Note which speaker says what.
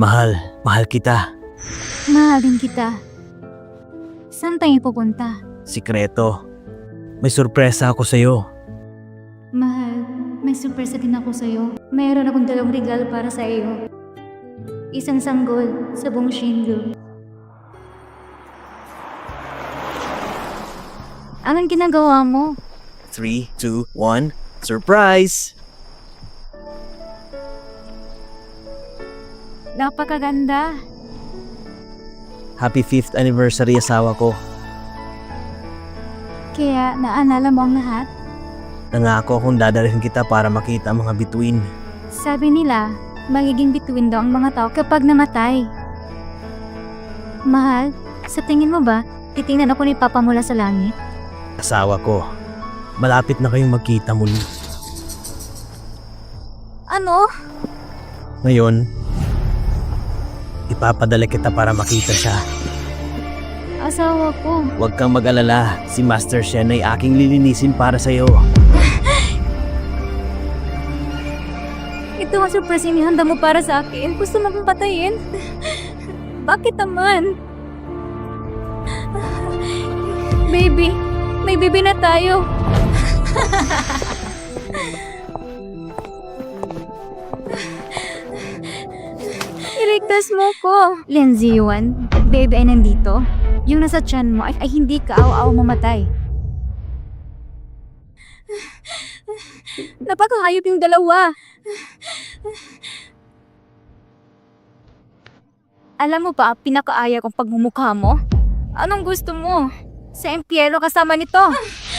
Speaker 1: Mahal kita.
Speaker 2: Mahal din kita. Saan tayo pupunta?
Speaker 1: Sikreto. May sorpresa ako sa'yo.
Speaker 2: Mahal, may surpresa din ako sa'yo. Mayroon akong 2 regalo para sa iyo. Isang sanggol sa buong Shinju. Anong ginagawa mo?
Speaker 1: 3, 2, 1, surprise!
Speaker 2: Napakaganda.
Speaker 1: Happy 5th anniversary asawa ko.
Speaker 2: Kaya naalala mo ang lahat?
Speaker 1: Nangako akong dadalhin kita para makita ang mga bituin.
Speaker 2: Sabi nila, magiging bituin daw ang mga tao kapag namatay. Mahal, sa tingin mo ba, titingnan ako ni Papa mula sa langit?
Speaker 1: Asawa ko, malapit na kayong magkita muli.
Speaker 2: Ano?
Speaker 1: Ngayon, ipapadala kita para makita siya.
Speaker 2: Asawa ko.
Speaker 1: Huwag kang mag-alala, si Master Shen ay aking lilinisin para sa'yo.
Speaker 2: Ito ang surprise inihanda mo para sa akin. Gusto mo akong patayin? Bakit naman? Baby, may baby na tayo. Iligtas mo ko. Lindsay Yuan, baby ay nandito. Yung nasa tiyan mo ay hindi ka aw-aw mamatay. Napakahayop yung dalawa. Alam mo ba, pinakaaya kong pagmumukha mo? Anong gusto mo? Sa impyerno kasama nito.